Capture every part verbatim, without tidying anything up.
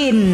กิน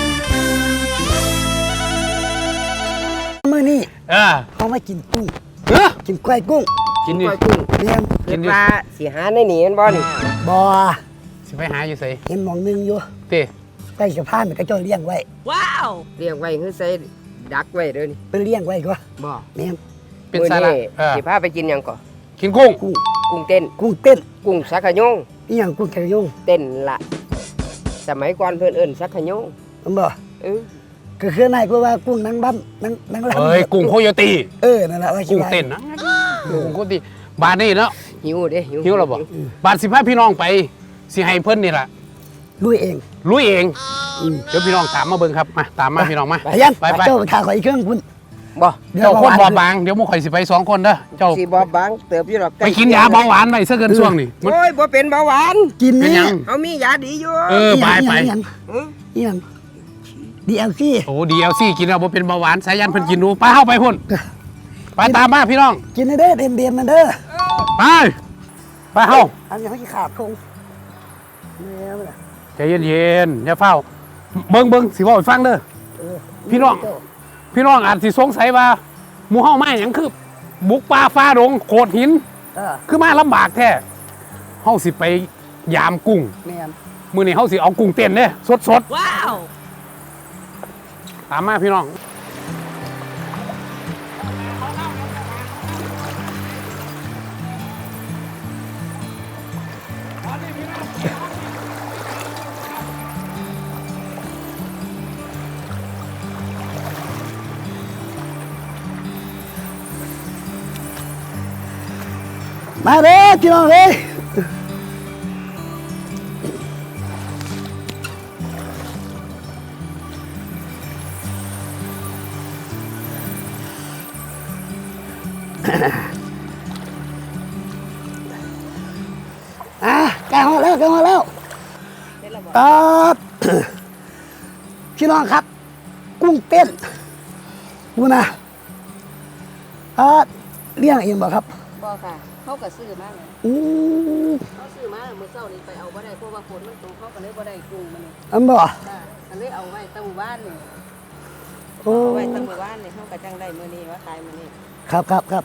มื้อนี้เออเขามากินกุ้งเออกินกล้วยกุ้งกินดิกล้วยกุ้งเลี้ยงกินปลาสิหาในนี่มันบ่นี่บ่สิไปหาอยู่ไสเห็นหมองหนึงอยู่ติใต้สะพานมันก็เจ้าเลี้ยงไว้ว้าวเลี้ยงไว้คือใส่ดักไว้เด้อนี่เป็นเลี้ยงไว้ก็บ่แม่นเป็นสาระเออสิพาไปกินหยังก่อกินกุ้งกุ้งกุ้งเต้นกุ้งเต้นกุ้งสักขะยงอีหยังกุ้งแกงยงเต้นละสมัยก่อนเพิ่นเอิ้นสักขะยงมันบ่เออก็คือนายก็ว่ากุ้งนางบ้ำนางนางลำเอ้ยกุ้งโคโยตีเออนั่นแหละว่ากุ้งเต้นนะกุ้งโคโยตีบาดนี้เนาะหิวเด้หิวหิวแล้วบ่บาดสิพาพี่น้องไปสิให้เพิ่นนี่ล่ะลุยเองลุยเองเดี๋ยวพี่น้องตามมาเบิ่งครับมาตามมาพี่น้องมาไปยังไปไปเจ้าถ่าขออีกเครื่องคุณบ่เดี๋ยวเจ้าคนเบาหวานบ่บางเดี๋ยวหมู่ข่อยสิไปสองคนเด้อเจ้าสิบ่บางเติบอยู่ดอกไปกินยาเบาหวานไว้ซะเกินช่วงนี่มันโอ้ยบ่เป็นเบาหวานกินเป็นนี่หยังเฮามียาดีอยู่เออไปไปอีหยังเอออีหยังดีเอลซีโอ้ดีเอลซีกินแล้วบ่เป็นเบาหวานสายันเพิ่นกินดูไปเฮาไปพุ่นไปตามมาพี่น้องกินให้เด้อเต็มเต็มๆมันเด้อไปไปเฮาอันนี้เขาจะขาดคงแม่มันน่ะใจเย็นๆอย่าเฝ้าเบิ่งเบิ่งสิเว้าให้ฟังเด้อเออพี่น้อง พี่น้องอาจสิสงสัยว่าหมู่เฮามาหยังคือบุกป่าฟ้าดงโขดหินเออคือมาลำบากแท้เฮาสิไปยามกุ้งแม่นมื้อนี้เฮาสิเอากุ้งเต้นเด้สดว้าวๆตามมาพี่น้องมาเด้อพี่น้องเอ้ยอ่ะใกล้ห้องแล้วใกล้ห้องแล้วครับพี่น้องครับ กุ้งเต้นดูนะอ่าเลี้ยงเองบ่ครับบ่ค่ะเขาก็ซื้อมาเลยอืมเขาซื้อมาเมื่อเช้านี้ไปเอาบ่ได้เพราะว่าฝนมันตกเขาก็เลยบ่ได้กุ้งมันนี่อันบ่จ้าก็เลยเอาไว้ตั้งหมู่บ้านนี่โอ้เอาไว้ตั้งหมู่บ้านนี่เขาก็จังได้มื้อนี้ว่าขายมื้อนี้ครับครับครับ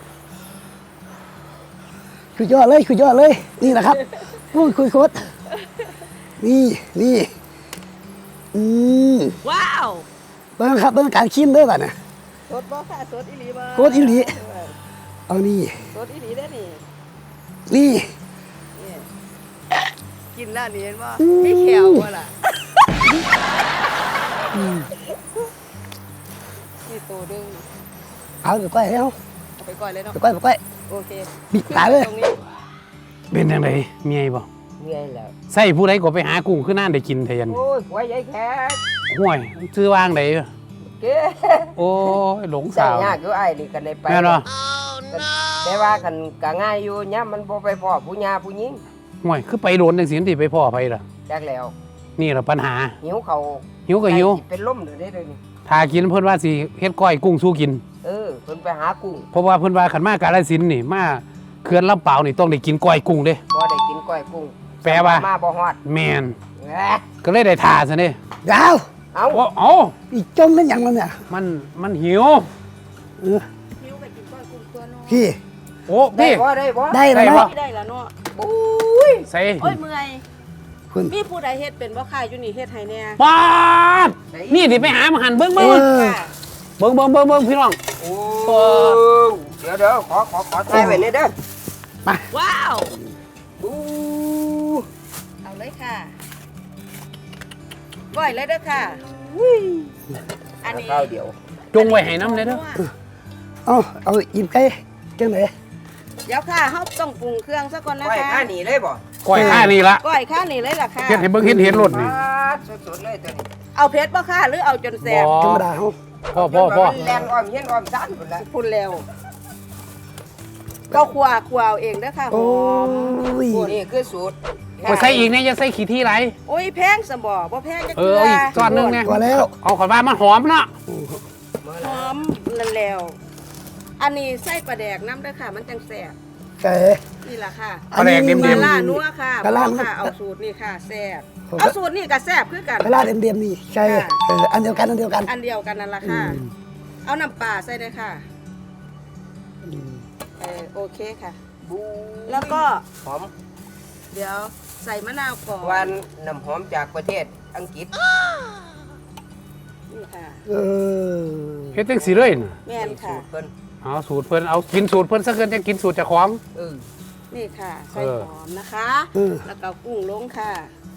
คุยยอดเลยคุยยอดเลย นี่แหละครับพูดคุยโคตรนี่นี่อืมว้าวเบิ่งครับเบิ่งการชิมด้วยป่ะเนี่ยสดบ่ค่ะสดอีหลีบ่สดอีหลีเออเอานี่สดอีหลีเด้อนี่นี่นี่กินแล้วนี่เห็นบ่มีแขวบ่ล่ะนี่ตัวดึงเอาไปก้อยแล้วเอาไปก่อนเลยเนาะไปก้อยไปก้อยโอเคบิดตาเลยตรงนี้เป็นจังไดเมียบ่เมื่อยแล้วใส่ผู้ใดก็ไปหากุ้งคือน่านได้กินแทนโอ้ยหัวใหญ่แขกห่วยชื่อว่างไดเก้โอ้ยหลงใส่สาวยากอยู่ไอ้ายนี่กันได้ไปแม่นบ่แต่ว่าคันก็ง่ายอยู่ย่ามมันบ่ไปพ่อผู้หญิงผู้หญิงห่วยคือไปโดนจังซี่ที่ไปพ่อไปล่ะจักแล้วนี่ล่ะปัญหาหิวเขาหิวก็หิวใกล้สิเป็นลมเด้อเด้อเดี๋ยวนี้ถ้ากินเพิ่นว่าสิเฮ็ดก้อยกุ้งสู้กินเออเพิ่นไปหากุ้งเพราะว่าเพิ่นว่าขันมากาฬสินธุ์นี่มาเขื่อนลำเปล่าวนี่ต้องได้กินก้อยกุ้งเด้บ่ได้กินก้อยกุ้งแปลว่ามาบ่ฮอดแม่นแหมก็เลยได้ทาซะเด้ดาวเอาโอ้เอ้าอีจมเป็นอย่างมันเนี่ยมันมันหิวเออหิวก็กินก้อยกุ้งตัวเนาะพี่โอ้ได้พี่บ่ได้บ่ได้แล้วได้เนาะปะได้แล้วเนาะอุ้ยใส่โอ้ยเมื่อยคุณมีผู้ใดเฮ็ดเป็นบ่ค่ะอยู่นี่เฮ็ดให้แน่ปาดนี่ดิไปหามาหันเบิ่งเอเบิ่งอค่ะเบิ่งเบิ่งเบิ่งเบิ่งพี่น้องโอ้เดี๋ยวเดี๋ยวขอขอขอใส่ไว้นี่เด้อว้าวอู้เอาเลยค่ะก้อยเลยเด้อค่ะอันนี้ข้าวเดียวจงไว้ให้น้ำเลยเด้อเอาเอาอิ่มไก่จังไหนเดี๋ยวค่ะเฮาต้องปรุงเครื่องซะก่อนนะไว้คะข้านี่เลยบ่ก้อยข้านี่ละก้อยข้านี่เลยล่ะค่ะเฮ็ดให้เบิ่งเห็นเห็นรถนี่สดๆเลยตัวนี้เอาเผ็ดบ่ค่ะหรือเอาจนแซ่บบ่ธรรมดาเขาพ่อพ่อพ่อแลนอ้อมเฮียนอ้อมซ่านพุ่นละพูดแล้วก็คั่วคั่วเอาเองเด้อค่ะหโอ้อมยนี่คือสูตรโอ้ยใส่อีกเนี่ยอย่าใส่ขี้ที่ไรโอ้ยแพงสมบ่บ่แพงจักเอเทื่อเอาอีกจอนหนึงเนี่ยตัวแล้วเอาขอยว่ามันหอมเนาะหอมนั่นแล้ว อันนี้ใส่ปลาแดกน้ำเด้อค่ะ มันจังแซ่บไก่นี่แหละค่ะปลาแดกเดียมปลาล่านัวค่ะปลาล่าค่ะเอาสูตรนี่ค่ะแซ่บผมเอาสูตรนี่กับแซ่บคือกันปลาล่าเดียมๆนี่ใช่ค่ะเอออันเดียวกันอันเดียวกันอันเดียวกันนั่นแหละค่ะอืมเอาน้ำปลาใส่เลยค่ะเออโอเคค่ะบูแล้วก็หอมเดี๋ยวใส่มะนาวก่อนหวานน้ำหอมจากประเทศอังกฤษนี่ค่ะเออเฮ็ดจังสีเลยน่ะแม่นค่ะสูตรเพิ่นเอาสูตรเพิ่นเอากินสูตรเพิ่นซะเกินจะกินสูตรเจ้าของเออนี่ค่ะ ใส่เออหอมนะคะเออแล้วก็กุ้งลงค่ะ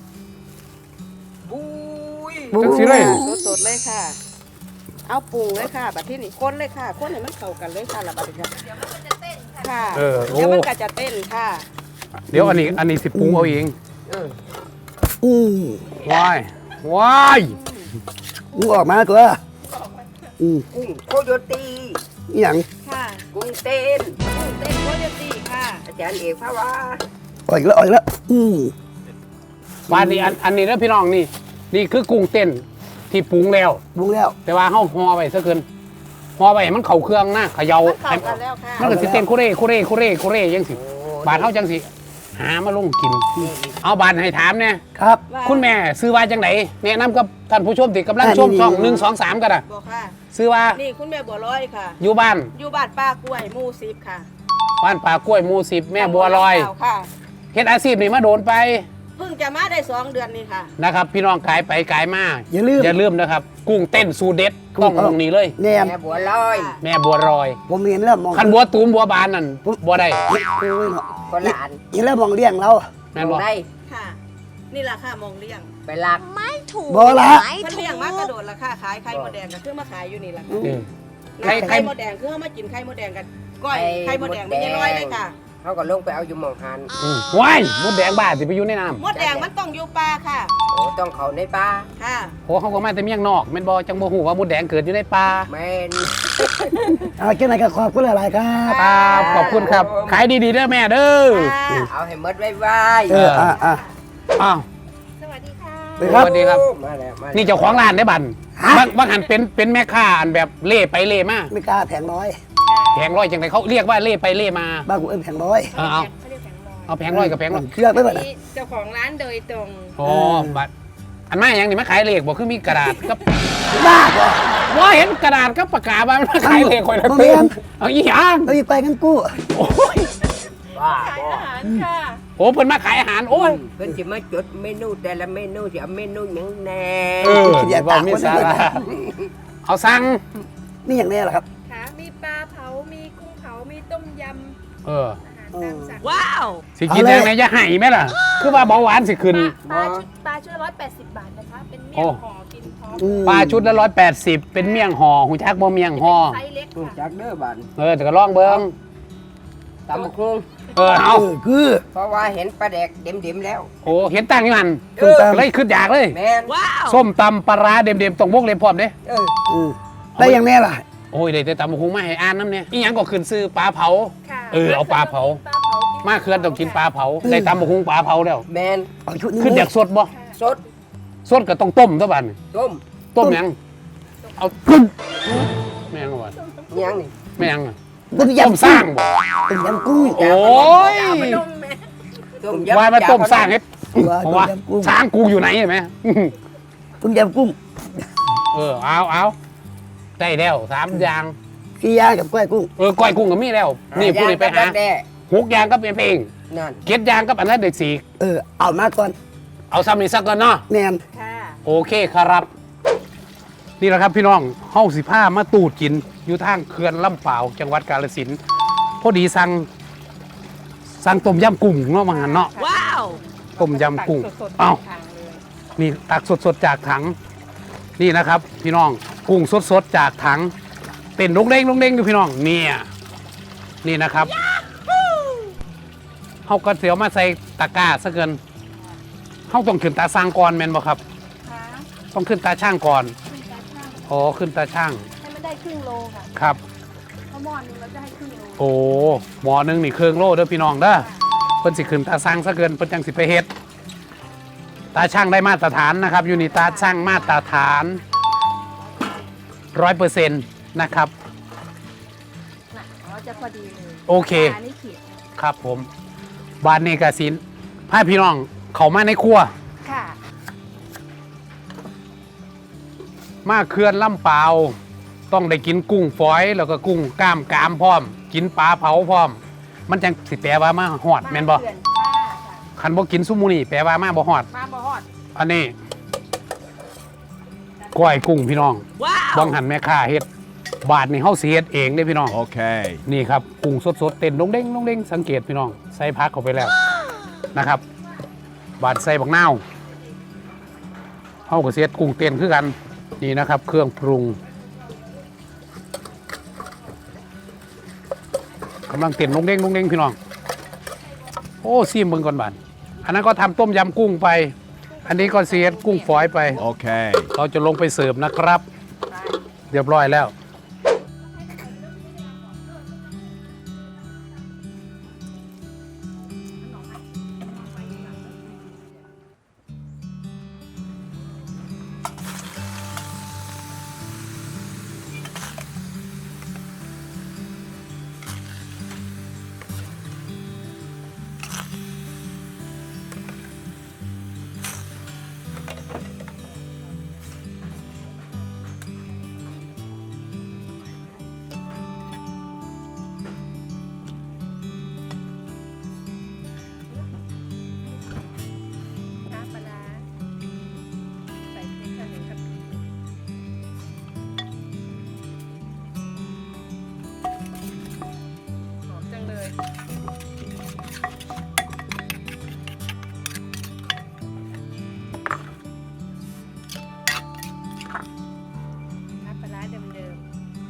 บูยจังสีเลยสดๆเลยค่ะ เอาปรุงเลยค่ะบัดที่นี่คนเลยค่ะคนให้มันเข้ากันเลยค่ะละบัดนี้ค่ะเดี๋ยวมันก็จะเต้นค่ะเออโอ้เดี๋ยวมันก็จะเต้นค่ะเดี๋ยวอันนี้อันนี้สิปรุงเอาเองเอออืมว้ายว้ายมึงออกมาตัวอืมกุ้งโคโยตีอหย่างค่ะกุ้งเต้นกุ้งเต้นโคโยตี้ค่ะอาจารย์เอกพระว่าออกอีกแล้วออกอีกแล้วอืมบ้านนี้อันอันนี้แล้วพี่น้องนี่ นี่คือกุ้งเต้นที่ปรุงแล้วบุ้งแล้วแต่ว่าเฮาห่อไว้ซะเกินห่อไว้ให้มันเข้าเครื่องนะเขย่ามันเข้าให้กันแล้วค่ะมันก็สิเต้นคุเร่คุเร่คุเร่คุเร่จังสิบาดเฮาจังสิหามาลงกิน เอาบาดให้ถามเนี่ยครับว่าคุณแม่ซื้อว่าจังไหนแนะนำกับท่านผู้ชมที่กำลังอ่าชมนี่ช่องนี่หนึ่งสองสามกันอ่ะบอกค่ะซื้อว่านี่คุณแม่บัวลอยค่ะอยู่บ้านอยู่บ้านป้ากล้วยหมู่สิบค่ะบ้านป่ากล้วยหมู่สิบแม่บัวลอยค่ะเฮ็ดอาชีพนี่มาโดนไปเพิ่งจะมาได้สองเดือนนี่ค่ะนะครับ พี่น้องกายไปกายมาอย่าลืมอย่าลืมนะครับ กุ้งเต้นสูตรเด็ดต้องตรงนี้เลยแนมแม่บัวลอยแม่บัวลอยผมเห็นแล้วมองคันบัวตูมบัวบานนั่นบัวได้โอ้ยเนาะคนละอันเห็นแล้วมองเลี้ยงเราแม่นบ่ได้ค่ะ นี่แหละค่ะมองเลี้ยงไปลักไม่ถูกบ่ละไม่เพิ่นถูเลี้ยงกมากระโดดราคาขายไข่มดแดงก็คือมาขายอยู่นี่แหละค่ะเออไข่ไข่ไข่มดแดงคือเอามากินไข่มดแดงกันก้อยไข่มดแดงไม่ใช่ร้อยเลยค่ะเขาก็ลงไปเอาอยู่หมองหันอืมว้ายมดแดงบ้าสิไปอยู่ในน้มดแดงมันต้องอยู่ปลาค่ะโอ้ต้องเขาในป่าค่ะำโหเขาก็มาแต่เมียงนอกแม่นบ่จังบ่ฮู้ว่ามดแดงเกิดอยู่ในป่าแม่นเอาเจ้าไหนก็ขอบคุณหลายๆครับครับขอบคุณครับ ขายดีๆเด้อแม่เด้อค่ะเอาให้หมดไว้ไว้เอออ่ะอ่ะอ้าวสวัสดีค่ะไปครับสวัสดีครับมาแล้วมาแล้วนี่เจ้าของร้านได้อบันฮะบางบางหันเป็นเป็นแม่ค้าอันแบบเล่ไปเล่มาไม่กล้าแผงร้อยแผงร้อยจังไดเขาเรียกว่าเล่ไปเล่มาบ้านกูเอ็นแผงร้อยเอาเอาเอาแผงร้อยกับแผงร้อยเครื่องไม่หมดนะนี่เจ้าของร้านโดยตรงอ๋อบัตรอันมาอย่างนี้มาขายเลขบอกคือมีกระดาษกับบ้าป่ะว่าเห็นกระดาษกับปากกาบ้างมาขายเลขคอยละบ่เตืแม่อนนเอาอีหยังเราอีไปกันกู้โอ้ยบ้าขายบ่อาหารค่ะโอ้เพิ่นมาขายอาหารโอ้ยเพิ่นสิมาจดเมนูแต่ละเมนูสิเอาเมนูหยังแน่เออว่ามีสาระเอาสั่งนี่อย่างนี้เหรอครับค่ะมีปลาเผา มีกุ้งเผา มีต้มยเออำอาหารตามสั่งว้าวสิกินยังไงจะให้ไหมล่ะ คือว่าเบาหวานสิขึ้นปลาชุดปลาชุดร้อยแปดสิบบาทนะคะ เป็นเมี่ยโอ้งห่อกินพร้อมอืมปลาชุดละร้อยแปดสิบเป็นเมี่ยงห่อหูจักบ่เมี่ยงห่อไซส์เล็กรู้ค่ะจักเด้อบานเออแต่ก็ลองเบิ่งตำบักหุ่งเออเอาเออคือเพราะว่าเห็นปลาแดกเด็มๆแล้วโอ้เห็นตั้งอยู่หันส้มตำเลยขึ้นอยากเลยแม่นว้าวส้มตำปลาร้าเด็มๆตรงวกเล็บพร้อมเด้เอออืมได้อย่างนี้ล่ะโอ้ยได้แต่ตำบักหุงมาให้อ่านน้ำเนี่ยอีหยังก็ขึ้นซื้อปลาเผาค่ะเออเอาปลาเผาปลาเผากินมาเคือนต้องกินปลาเผาได้ตำบักหุงปลาเผาแล้วแม่นเอาชุดนี้ขึ้นอยากสดบ่สดสดก็ต้องต้มตัวบัดนต้มต้มหยังเอาขึ้นแม่งบ่หยังนี่แม่งอะต้มต้มยำสร้างบ่ต้มยำกุ้งโอ้ยต้มว่ามาต้มสร้างเฮ็ดว่าเพราะว่าต้มยำกุ้งสร้างกูอยู่ไหนเห็นไหมต้มยำกุ้งเออเอาเอาได้แล้วสามอย่างกี่ย่างกับกล้วยกุ้งเออก้อยกุ้งก็มีแล้ว นี่ผู้นี้ไปหาแด้หกอย่างก็เป็นเพลงนั่นเก็ดอย่างกับอันนั้นเด็กสี่เออเอามาก่อนเอาซ้ำนี่สักก่อนเนาะแนมค่ะโอเคครับ นี่แหละครับพี่น้องเฮาสิผ้ามาตูดกิน อยู่ทางเขื่อนลำเปล่าวจังหวัดกาฬสินธุ์พอดีสั่งสั่งต้มยำกุ้งเนาะมาหันเนาะว้าวต้มยำกุ้งเอ้านี่ตักสดๆจากถัง นี่นะครับ พี่น้องกุ้งสดๆจากถังเต้นลงเด้งลงเด้งดูพี่น้องเนี่ยนี่นะครับเฮาก็เสียวมาใส่ตะกร้าซะเกินเฮาต้องขึ้นตาสร้างก่อนแม่นบ่ครับค่ะต้องขึ้นตาช่างก่อนขึ้นตาช่างอ๋อขึ้นตาช่างให้มันได้ครึ่งโลค่ะครับเพราะหม้อนึงเราจะให้ครึ่งโลโอ้หมอหนึงนี่เครื่องโล่เด้อพี่น้องเด้อเพิ่นสิขึ้นตาช่างซะเกินเพิ่นจังสิไปเฮ็ดตาช่างได้มาตรฐานนะครับ อยู่นี่ตาช่างมาตรฐานร้อยเปอร์เซ็นต์นะครับน่ะเราจะพอดีเลยโอเคอันนี้ขีดครับผมบานนี้กสินพาพี่น้องเข้ามาในครัวค่ะมาเขื่อนลำเปาวต้องได้กินกุ้งฝอยแล้วก็กุ้งกล้ามกรามพร้อม กินปลาเผาพร้อม มันจังสิแปลว่ามาฮอดแม่นบ่เขื่อนค่ะค่ะคันบ่กินซุมื้อนี้แปลว่ามาบ่ฮอดมาบ่ฮอดอันนี้ก้อยกุ้งพี่น้องบังหันแม่ค้าเฮ็ดบาทนี่เฮาสิเฮ็ดเองเด้พี่น้อง Okay. นี่ครับกุ้งสดๆเต้นดงเด้งดงเด้งสังเกตพี่น้องใส่พักเข้าไปแล้วนะครับ บาดใส่บักนาวเฮาก็สิเฮ็ดกุ้งเต้นคือกันนี่นะครับ เครื่องปรุงกำลังเต้นดงเด้งดงเด้งพี่น้องโอ้ซิมเบิ่งก่อนบาดอันนั้นก็ทำต้มยำกุ้งไป อันนี้ก็สิเฮ็ดกุ้งฝอยไป Okay. เราจะลงไปเสิร์ฟนะครับ เรียบร้อยแล้วน้ำปลาร้าใส่พริกค่ะหนึ่งครับหอมจังเลยน้ำปลาร้าเดิม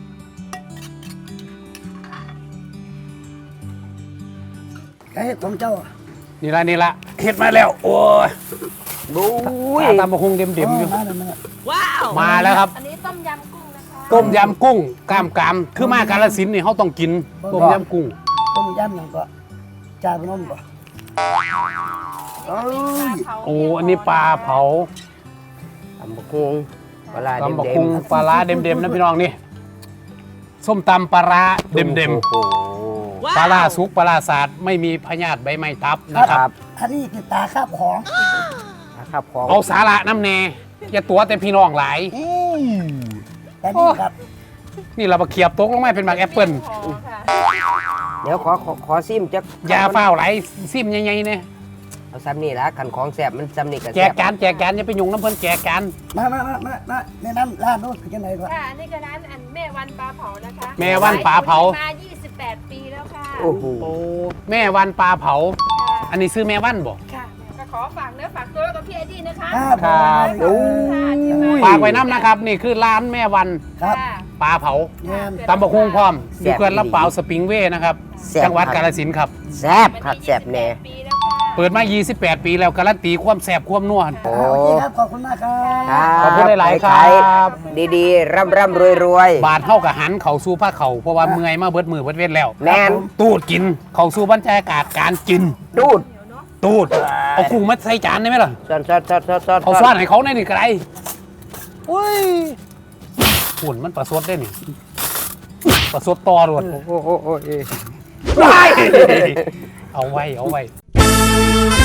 ไก่ของเจ้านี่ละนี่ละเฮ็ดมาแล้ว โอ้ยบุ้ยตามมาคงเด็มๆอยู่มาแล้วมาแล้วมาแล้วครับๆอันนี้ต้มยำกุ้งนะคะต้มยำกุ้งกล้ามกรามคือมากาฬสินธุ์นี่เขาต้องกินต้มยำกุ้งต้มยำหยังก็จ่าพนมบ่ปลาเผาโอ้อันนี้ปลาเผาตำบักหุ่งปลาร้าตำบักเด็กุ้งมปลาร้าเด็มๆนะพี่น้องนี่ส้มตำปลาร้าๆเด็มโอ้โหๆปลาร้าสุกปลาร้าสาดไม่มีพยาธิใบไม้ทับนะคครัรับบอันนี้คือตาคาบของนะครับของเอาสาระน้ำแน่อย่าตัวแต่พี่น้องหลายอืมแต่นี่ครับนี่เรามาเขียบตกลงมาเป็นหมากแอปเปิ้ลพอค่ะเดี๋ยวขอขอขอซิมจักยาเฝ้าวไหลซิมใหญ่ๆเนี่ยเอาซ้ำนี่ละขันของแสบมันซ้ำนี่กับแจแสกบการแจกการอย่าไปยุ่งน้ำเพิ่นแจกการมามามามามาแนะนำร้านโน้นคือจังไดก่อนค่ะอันนี้ก็ร้านอันแม่วันปลาเผานะคะแม่วันปลาเผามา ยี่สิบแปด ปีแล้วค่ะโอ้โหโอ้แม่วันปลาเผาค่ะอันนี้ซื้อแม่วันบ่ค่ะก็ขอฝากเนื้อฝากตัวกับพี่ไอดี้นะคะครับครับโอ้ค่ะที่ฝากไว้น้ำนะครับ นี่คือร้านแม่วันครับค่ะปลาเผาแง่นตำบกฮุงพร้อมอยู่เขื่อนลำเปาวสปริงเว่นะครับ จังหวัดกาฬสินธุ์ครับแสบครับแสบแน่ปีแล้วค่ะเปิดมา ยี่สิบแปด ปีแล้วการันตีความแสบความนัวโอ้โอเคครับ ขอบคุณมากครับครับขอบคุณหลายๆครับขายดีๆ ร่ำร่ำรวยรวยบาทเท่ากับหันเข่าสู้ผ้าเข่าเพราะว่าเมื่อยมาเบิดมือเบิดเวทแล้วแมนตูดกินเข่าสู้บรรยากาศการกินดูดตูดเอากุ้งมาใส่จานได้ไหมล่ะซ้อนซ้อนซ้อนซ้อนซ้อนเอาซ้อนให้เขาในนี่ก็ได้อุ้ยหุ่นมันประสดได้นี่ประสดต่อรวดโอ้โหโอ้โหเอาไว้เอาไว้